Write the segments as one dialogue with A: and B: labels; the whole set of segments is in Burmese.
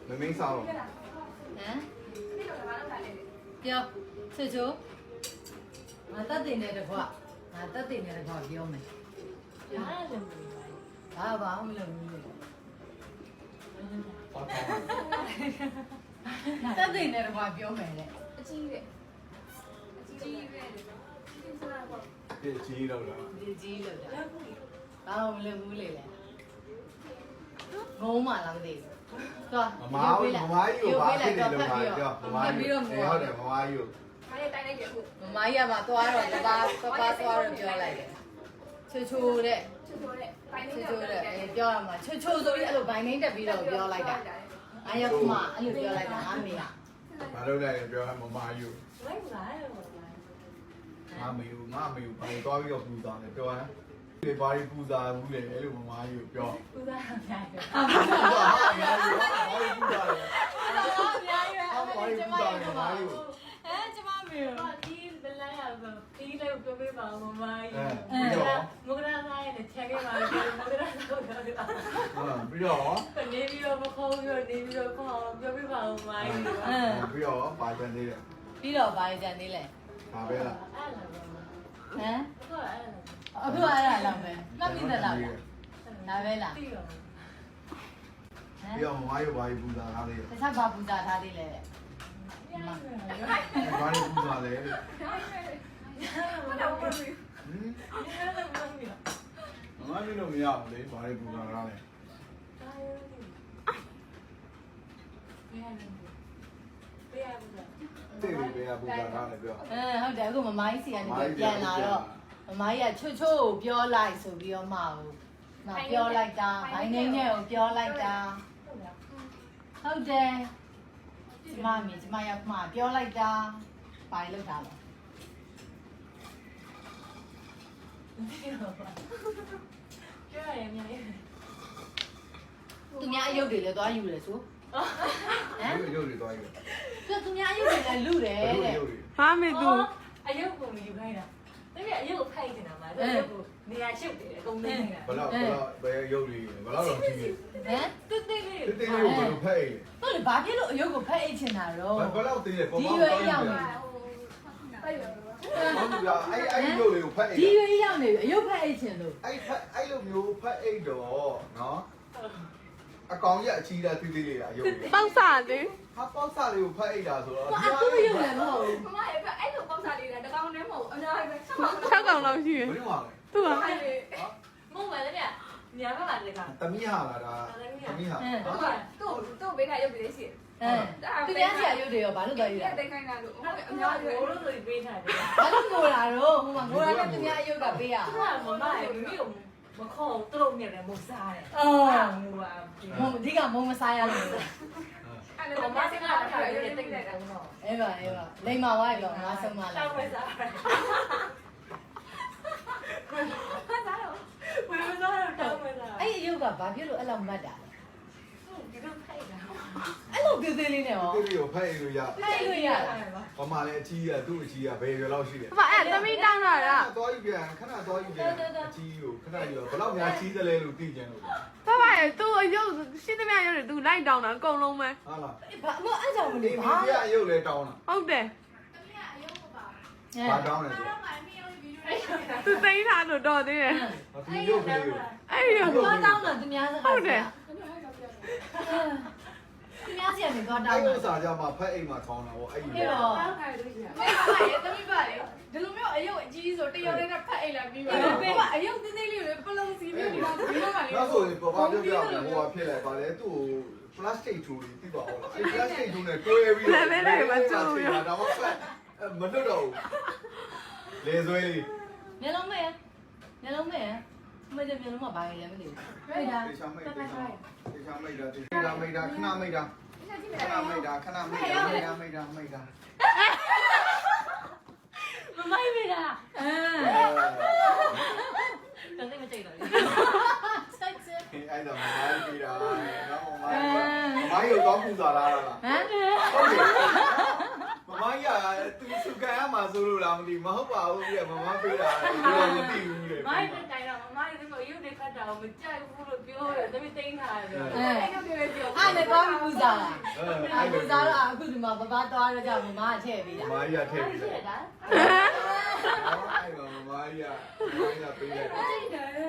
A: မင်းစားတော့
B: ဟမ်ပြောဆွေချိုငါတက်တင်တဲ့တကွာငါတက်တင်တဲ့တကွာပြောမယ်ဘာမလုပ်ဘူးတက်တင်တဲ့တကွာပြောမယ်လေအကြီးပဲ
A: ပြည့်ကြီးတော့လား
B: ဒီကြီးလို့တာဘာမလုပ်ဘူးလေငုံမှလားမသိဘူးသွား
A: မမားကြီးကိုဘာဖြစ်နေလို့ပါပြောမမားကြီးဟုတ်တယ်မမားကြီးကို
B: မမကြီးကမှသွားတော့တပါသွားတော့ပြောလိုက်တယ်ချိုချိုတဲ့ပြောရမှာချိုချိုဆိုပြီးအဲ့လိုဘိုင်းနှင်းတက်ပြီးတော့ပြောလိုက်တာအားရခမအဲ့လိုပြောလိုက်တာအမေက
A: ဘာလို့လဲပြောမမားကြီးကို
C: လိုက်လာတယ်ပေါ့
A: ငါမေကိုဘာသွားပြီးတော့ပူစားတယ်ပြောဟမ်ဒီဘာကြီးပူစားဘူးလေအဲ့လိုမမားကြီးကိုပြော
C: ပူဇာအများကြီး
A: ဟာအများကြီးဘာကြီးပူစားလဲ
B: အများကြီးပဲ
A: ဘာကြီးပူစားလဲမမားကြီးကို
B: ကျမမေ
C: ဒီဘလန်းရဆိုဒီလေးကိုပြောပေးပါဦးမမကြီးမဂရာသားရဲ့ချက်ခဲ့ပါလေမဂရာသားကိုပြောပြပါ
A: ပြီးတော့
C: နေပြီးတော့မခေါ်ပြီးနေပြီးတော့ခေါ်ပြောပြပါဦးမကြီး
A: ပြီးတော့ပါကြသေးတယ်
B: ပြီးတော့ဘာကြံသေးလဲ
A: ဒါပဲလား
C: အဲ့လာပါ
B: ဟမ်
C: ဟုတ်အဲ့လာ
B: အခုအဲ့ဒါလောက်ပဲမှတ်မိသလားဒါပဲလား
C: ပြီးတော့
A: ပြီးတော့မမားကြီးဘာကြီးပူစားထားသေးတယ်
B: တခြားဘာပူဇာထားသေးလဲ
A: ဘာကြီးပူစားလဲဟင် ငါမျိုးလို့မရဘူးလေဘာတွေပူတာလားလဲတေးပေးရပူတာလားလဲပြော
B: ဟုတ်တယ်အခုမမကြီးစီကနေပြန်လာတော့မမကြီးကချိုချိုကိုပြောလိုက်ဆိုပြီးတော့မှပြောလိုက်တာဘိုင်းနှင်းနဲ့ကိုပြောလိုက်တာဟုတ်တယ်ကျမရောက်မှပြောလိုက်တာဘာလို့လောက်တာလဲ
C: ပြောရရင်မြန်
B: သူများအယုတ်တွေလည်းသွားယူတယ်ဆိုဟမ်
A: ရုပ်တွေသွားယူ
B: သူများအယုတ်တွေလည်းလူတယ်တဲ့
A: ရုပ်တွေ
D: ဟာမေသူ
C: အယုတ်ကိုမယူခိုင်းတာတကယ်အယုတ်ကိုဖိုက်နေတာမှာတကယ်ကိုနေရာရှုပ်တယ်အကုန်သိနေတာ
A: ဘလောက်ဘယ်ရုပ်တွေဘလောက်တော့ကြည့်
B: ဟမ်
C: တိတိလေး
A: တေးတေးလေးကိုဘယ်လိုဖက်အိမ်
B: ဟုတ်လေဘာဖြစ်လို့အယုတ်ကိုဖက်အိတ်ချင်တာတော့
A: ဘလောက်တေးလဲပေါ်
B: ဒီ
A: ပေါ်
B: ရွယ်ရောက်နေ
A: ဟုတ်ပြအဲ့ရုပ်လေးကိုဖက်အိမ်
B: ဒီရွယ်ရောက်နေပြီအယုတ်ဖက်အိတ်ချင်လို့
A: အဲ့လိုမျိုးဖက်အိမ်တော့နော်အကောင်ကြီးအချီးတာတေးသေးလေးလားရုပ်လေး
D: ပေါက်စားလေ
A: ဟာပေါက်စားလေးကိုဖက်အိမ်တာဆိုတော့
B: အတူရုပ်လည်းမဟုတ်ဘူး
E: မမရဲ့အဲ့လိုပေါက်စားလေးတယ်တကောင်နဲ့မဟုတ်အများကြီးပဲဆက်ပါ
D: 6កောင်လောက်ရှိရ
A: ဘယ်လိုမှလဲ
D: သူက
C: မဟုတ်ပါလေဗျညာဘက်ပါလေက
A: တမီးဟာလားဒါတမီးဟာ
E: သူ့ဘေးကရုပ်ပြီးလေးရှိ
B: သူများဆရာရုပ်တွေရောဘာလို့တော့ယူ
E: တယ်
B: တာ
E: တိတ်ခိုင်းတာလို့အ
C: အ
E: များ
C: များ
E: ကြီး
C: ကြီးဘိုးလို့ဆိုပေးထားတယ်
B: ဘာလို့ငိုလာတော့ဟိုမှာငိုလာတဲ့သူများအယုတ်ကပေးရ
C: သူကမမရဲ့မိမိကိုမခေါ်သူတို့မြင်တယ်မစားတယ်
B: အော်
C: ဟိုက
B: မုံဒီကမုံမစားရလို့
E: အဲ့
C: မ
E: လို
C: မ
E: မ
C: စ
E: စ
C: ကား
E: ကား
C: ပြော
E: ပြော
C: ရ
E: ရ
C: တဲ့
E: တိ
C: တိ
E: တ်
C: တ်
E: တယ်
C: တယ်တော့
B: အေးပါလိမ္မာဝါပြောငါဆုံးမလာ
C: တောက်ဝဲစားတယ်ဘယ်လိုလဲတောက်ဝဲစား
B: အဲ့အယုတ်ကဘာဖြစ်လို့အဲ့လောက်မတ်တာလဲ
C: ဒီလိုဖိုက်တာ
B: အဲ့လိုသေးသေးလေးနဲ့ရော
A: တေးလေးကိုဖက်အိမ်လို့ရ
B: ဖိုက်လို့ရတာ
A: ဘာမှလည်းအချီးကသူ့အချီးကဘယ်ရွယ်လောက်ရှိလဲ
D: ဘာအဲ့သမီးတောင်းတာက
A: သွားယူပြန်ခဏသွားယူပြန်အချီးကိုခဏယူဘယ်လောက်များချီးသလဲလို့သိကြလို့
D: ဘာဘာရဲ့သူအယုတ်ရှိသမျှရုပ်တွေသူလိုက်တောင်းတာအကုန်လုံးပဲ
A: ဟာလား
B: ဘာမအဲ့ကြောင့်မ
A: ဒီ
B: လို့
A: မ
B: ဘာ
A: င်းပြအယုတ်လဲတောင်းတာ
D: ဟုတ်တယ်
A: ဘာတောင်းလဲဆို
D: သူသိမ်းထားလို့တော်သေးတယ်
A: ဒီယုတ်ကလေးကို
D: အဲ့ဒီရုပ်
B: ဘာတောင်းတာသူများစကားသူများစီကနေသွားတော
A: အဲ့
B: င်း
A: လို
B: တာ
A: စားကြမှာဖက်အိမ်မှာထောင်းတာဗောအဲ့ဒီ
B: ပြီးတော့
E: တောက်ခိုင်းလို့ရှိတယ်မမရဲ့တမိပါလေဒီလိုမျိုးအယုတ်အကြီးဆိုတယောက်တည်းနဲ့ဖက်အိတ်လာပြီးပါတော့အယုတ်သေးသေးလေးတွေပလုံစီမျိုးဒီမှာဒီလိုကလေ
A: နောက်ဆိုရင်ဘာပြောပြလဲဟိုကဖြစ်လိုက်ပါလေသူ့ကို plastic ထူလေးပြီးပါဦးလားအဲ့ plastic ထူနဲ့တွဲပြီးတော့ဒါမှဖက်မလွတ်တော့ဘူးလေဆွဲလေး
B: မျက်လုံးမဲမျက်လုံးမဲမကြမျက်လုံးမှာဘာလဲမသိဘူးဟဲ့ဒါ
A: တေချာမိတ်တေချာမိတ်တာတေချာမိတ်တာခဏမိတ်တာခဏမိတ်တာခဏမိတ်တာမိတ်တာမိတ်တာ
C: မမိုက်မိတာ
B: အာ
C: တော်သိမကြိတ်တော့လေ
B: စိုက်စဲ
A: အဲ့ဒါမမိုင်းပြီးတာနော်မမိုင်းရုပ်တော့ပူစားလာတာလား
B: ဟမ်
A: ဟုတ်တယ်မမိုင်းကသူစုကန်ရမှာဆိုလို့လားမသိမဟုတ်ပါဘူးပြမမပေးတာဒီလိုမသိဘူးလေ
C: မိုက်တိုင်တော့မမလေးတို့ရုပ်တွေခတ်တာကိုမကြိုက်ဘူးလို့ပြောတယ်တမီးသိမ်းထားတယ်
E: အဲ့ရုပ်တွေပဲပြော
B: အဲ့နဲ့သွားပြီးပူဇော်လာအဲ့ပူဇော်တော့အခုဒီမှာဘဘသွားတော့ကြောင့်မမထည့်ပေးတာ
A: မာကြီးကထည့်ပြီး
C: ရှိ
A: တယ်
C: တာ
A: အဲ့တော့မာကြီးကပေးလိုက်တယ်စိတ်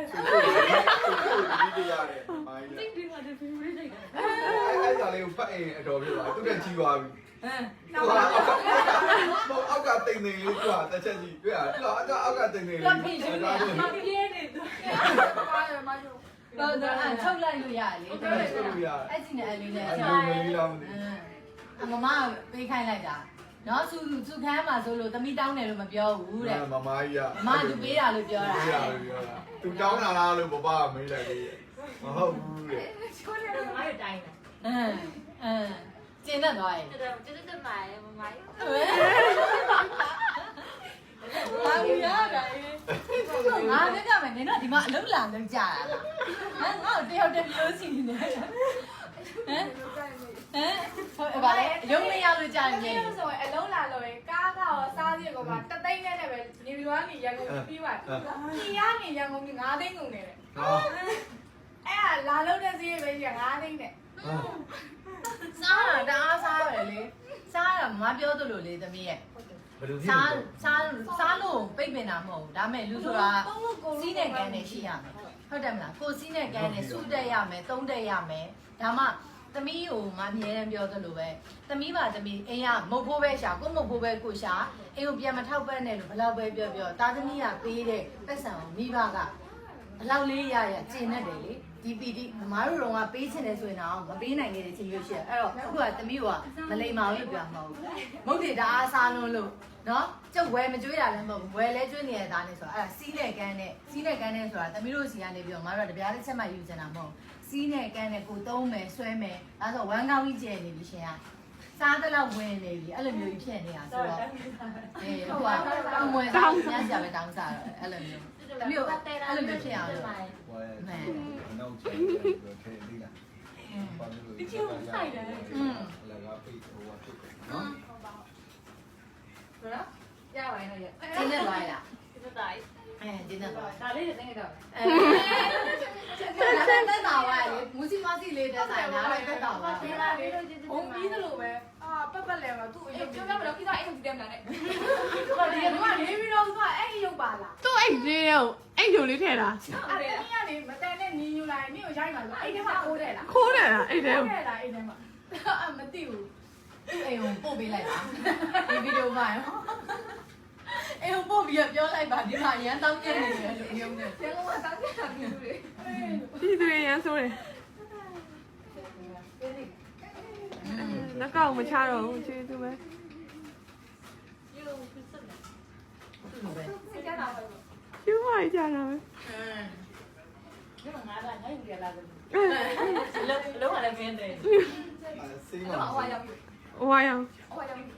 A: ကိုဒီရတယ်မာကြီး
C: သိတယ်မှာဒီဖီဖီလိုက်တာ
A: အဲ့ဒါလေးကိုဖတ်ရင်အတော်ပြပါသူတက်ကြီးသွားပြီ
B: ဟမ်
A: အောက်ကတိမ်တိမ်လေးကွာတစ်ချက်ကြီးတွေ့ရအောက်ကတိမ်တိမ်လေး
C: မပြင်းနေသူ
E: ပါရမကျိုး
B: တော့အဲ့ထုတ်လိုက်လို့ရတယ်လေ
A: ဆိုလို့ရ
B: အဲ့ဒီနဲ့အလေးနဲ့
A: အဲ့လိုလေးတော့မသိ
B: မမပေးခိုင်းလိုက်တာနော်စုခမ်းမှာဆိုလို့သမီးတောင်းတယ်လို့မပြောဘူးတဲ့
A: မမကြီးက
B: မသူပေးတာလို့ပြောတာ
A: ပေးတာလို့ပြောတာသူတောင်းတာလားလို့ဘဘကမေးလိုက်သေးတယ်မဟုတ်ဘူးတဲ့
E: ချိုးတယ်
C: မရတိုင်းတယ်
B: ကျင်းတတ်သွားရင်
C: တော်တော်တက်တက်မှာမမကြီး
B: ဘာလို့ရတာလဲငါလည်းကြမယ်နင်တို့ဒီမှာအလုပ်လာလုပ်ကြတာလားငါ့ကိုတယောက်တည်းပြောစီနေတယ်ဟုတ်ပါလေရုံးမရလို့ကြာနေ
E: ဒီဆိုရင်အလုံးလာလို့ရင်ကားကရောစားစီကောပါတသိန်းနဲ့ပဲနေပြီးတော့နေရန်ကုန်ပြီးပါဒီကနေရန်ကုန်ပြီး9သိန်းကုန်နေတယ်
A: ဟော
E: အဲ့ဒါလာလို့တဲ့စီးပဲကြီး9သိန်းနဲ့
B: စားတာတအားစားပဲလေစားတာမပြောသလိုလေသမီးရဲ့
A: ဘယ်လိုဖြစ်
B: စားလို့ပိတ်ပင်တာမဟုတ်ဘူးဒါမဲ့လူဆိုတာစီးနဲ့ကန်းနဲ့ရှိရမယ်ဟုတ်တယ်မလားကိုစီးနဲ့ကန်းနဲ့စူးတက်ရမယ်သုံးတက်ရမယ်ဒါမှသမီးကိုမအမြဲတမ်းပြောသလိုပဲသမီးပါသမီးအိမ်ကမုတ်ဖိုးပဲရှာကိုမုတ်ဖိုးပဲကိုရှာအိမ်ကိုပြန်မထောက်ပံ့နဲ့လို့ဘယ်လောက်ပဲပြောပြောတာသမီးကပေးတဲ့ပတ်စံကိုမိဘကအလောက်လေးရကျင်နေတယ်လေဒီပီတိမမတို့တော့ကပေးချင်တယ်ဆိုရင်တော့မပေးနိုင်တဲ့ချင်းမျိုးရှိတယ်အဲ့တော့အခုကသမီးကမလိမ္မာဘူးလို့ပြောမှာမဟုတ်ဘူးမုတ်တွေတအားစားလုံးလို့နော်ကျုပ်ဝယ်မကြွေးတာလည်းမဟုတ်ဘူးဝယ်လဲကျွေးနေရတာနဲ့ဆိုတော့အဲ့ဒါစီးနဲ့ကန်းနဲ့ဆိုတာသမီးတို့စီကနေပြီးတော့မတို့ကတပြားတစ်ချက်မှယူချင်တာမဟုတ်စီးနဲ့ကန်းနဲ့ကိုသုံးမယ်ဆွဲမယ်ဒါဆိုဝမ်းကောင်းကြီးကျယ်နေပြီရှင်ကစားတဲ့လောက်ဝင်နေပြီအဲ့လိုမျိုးကြီးဖြစ်နေတာဆိုတော့အေးဟိုကဝင်စားညံ့ကြပဲတောင်းစားတော့အဲ့လိုမျိုးသမီးတို့အဲ့လိုမျိုးဖြစ်အောင်လို့
A: ဝယ်နောက်ချင်တယ်ထဲလေးလားဘာလို့လဲဒီချိုးဆိုင်တယ်လက်ကပိတ်ဟိုဖြစ်တယ်နော်
E: ဟုတ်လားရပါရင်တော့ရ
B: ကျင်းနေသွားလား
C: တက်တိုင်း
B: ကျင်းနေသွား
C: ဒါလေးနဲ့နေတော့
B: တက်တာပါလေမူစီမစီလေးတက်ဆိုင်လားတက်တာပါ
E: ဒီလားလေးဘုံပြီးသလိုပဲပတ်လဲတော့သူ့အယုတ်ပြောပြမလို့ကိစ္စအိမ်ကြည့်တယ်မလားနဲ့ဒီကနေပြီးတော့သူကအဲ့အယုတ်ပါလား
D: သူ့အိတ်လေးကိုအိတ်ဂျိုလေးထည့်တာ
E: အဲ့ဒီကနေမတန်နဲ့ညီညူလာရင်မြို့ရိုက်မှာလို့အဲ့ဒီမှာခိုးတယ်လား
D: ခိုးတယ်လားအိတ်ထဲကို
E: ခိုးတယ်လားအဲ့ဒီမှာမသိဘူး
B: အိမ်ကိုပို့ပေးလိုက်ပါဒီဗီဒီယိုမှာအိမ်ကိုပို့ပြီးပြောလိုက်ပါဒီမှာရန်တောင်းပြနေတယ်လို့ရုံနဲ့
E: ကျန်ကတောင်းကြတာမျိုးတွေ
D: ဒီသူရန်ဆိုတယ်လက်ကောက်မချတော့ဘူးကျေးဇူးပဲ
C: ယူဖြစ်စတယ်
B: သူ့လိုပဲ
E: စိတ်ကြတာပဲ
D: ကျူးမကြတာပဲ
C: ဒီမှာငါကငါ့ယူရလာတယ်လုံးဝလည်းမင်းတယ်
A: စိတ်
E: အဲ့
A: မှာ
E: တော့ဟိုရောက်ပြီ
D: ဝါရောင်
E: ဟိုရောက်ပြီ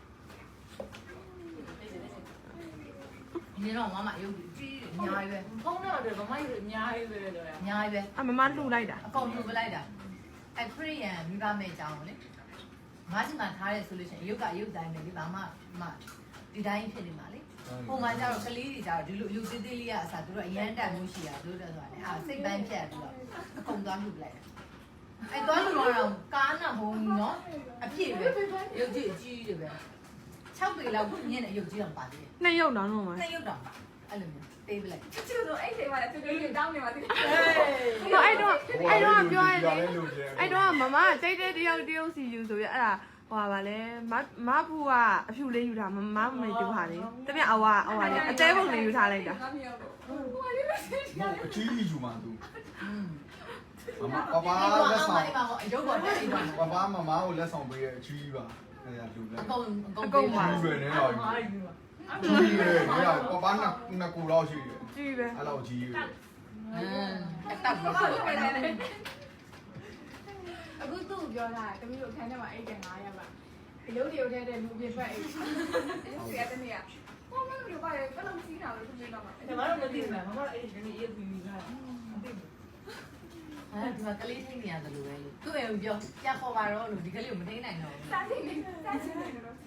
B: ဒီတော့မမရုပ်ကြီးအများကြီးပဲ
C: ဖုန်းတော့တယ်ဗမာယူအများကြီးပဲလို့ရ
B: အများကြီးပဲ
D: အမမလှူလိုက်တာ
B: အကုန်လှူပလိုက်တာအဲ့ခရီးယန်မိဘမဲ့အကြောင်းလေငါးစီမှာထားရဲဆိုလို့ရှိရင်ရုပ်ကရုပ်တိုင်းပဲလေဘာမှဒီတိုင်းဖြစ်နေမှာလေပုံမှန်ကျတော့ကလေးတွေကျတော့ဒီလိုရုပ်သေးသေးလေးကအစားသူတို့အရန်တန်မှုရှိတာတို့တော့ဆိုတာလေအာစိတ်ပန်းဖြတ်ပြီးတော့အကုန်သွားလှူပလိုက်တာအဲ့သွားလှူတော့ကားနာဘုံနော်အပြည့်ပဲရုပ်ကြီးအကြီးတွေပဲ6ပေလောက်ညင်းတဲ့ရုပ်ကြီးတော့ပါသေးတယ်
D: နှစ်ရုပ်တောင်တော့မှာ
B: နှစ်ရုပ်တော့အဲ့လိုမျိုးပေးပလိုက်
E: ချစ်ချစ်ဆိုအဲ့ချိန်မှာလည်းသူတို့တောင်းနေပါသေးတယ်
D: တော့အဲ့တော့ပြောရ
A: တယ်
D: လေ
A: လို့ကျဲ
D: အဲ့တော့မမတိတ်တဲ့တယောက်စီယူဆိုရအဲ့ဒါဟိုပါလေမဖူကအဖြူလေးယူတာမမေတူဟာလေတပြက်အဝလေအသေးပုံလေးယူထားလိုက်တာ
E: ငါမြောက်တော့ဟိုကလေးပဲစိတ်ကြ
A: အကြီးကြီးယူမှာသူ မမပပ
B: အဲ့
A: လက်
B: တော့
A: ဆောင်
B: အဲ့ပါပေါ့ရုပ်ပေါ်တယ်အဲ့တော့
A: ပပမမကိုလက်ဆောင်ပေးတဲ့အကြီးပါအဲ့ဒါလူလက်
B: အကုန်ပါ
A: လူတွေနဲ့တော့
C: မာယူ
A: ကြီးရယ်ညပပနှစ်ကူတော့ရှိတယ်
D: ကြည့်ပဲ
A: အဲ့လောက်ကြီးရယ်
B: အတက်ပါ
E: အခုသူ့ပြောတာတမီးတို့ခန်းထဲမှာအိတ်တယ်900ပါအယုတ်တရုတ်ထဲတဲ့လူပြထွက်အိတ်အဲ့ဒါတနေ့ကဘာမှမလုပ်ပါရဲ့ဘယ်လိုစီးတာလဲသူပြောမှာ
C: ဒါမှတော့မသိဘူးလားမမအဲ့ဒီနေ့ရေးပြီးတာမသိဘူး
B: ဒီမှာကလေးထိနေရတယ်လို့ပဲလို့သူ့အိမ်ပြောပြခေါ်ပါတော့လို့ဒီကလေးကိုမထိနိုင်တော့ဘူး
E: စားချင်တယ်စားချင်တယ်လို့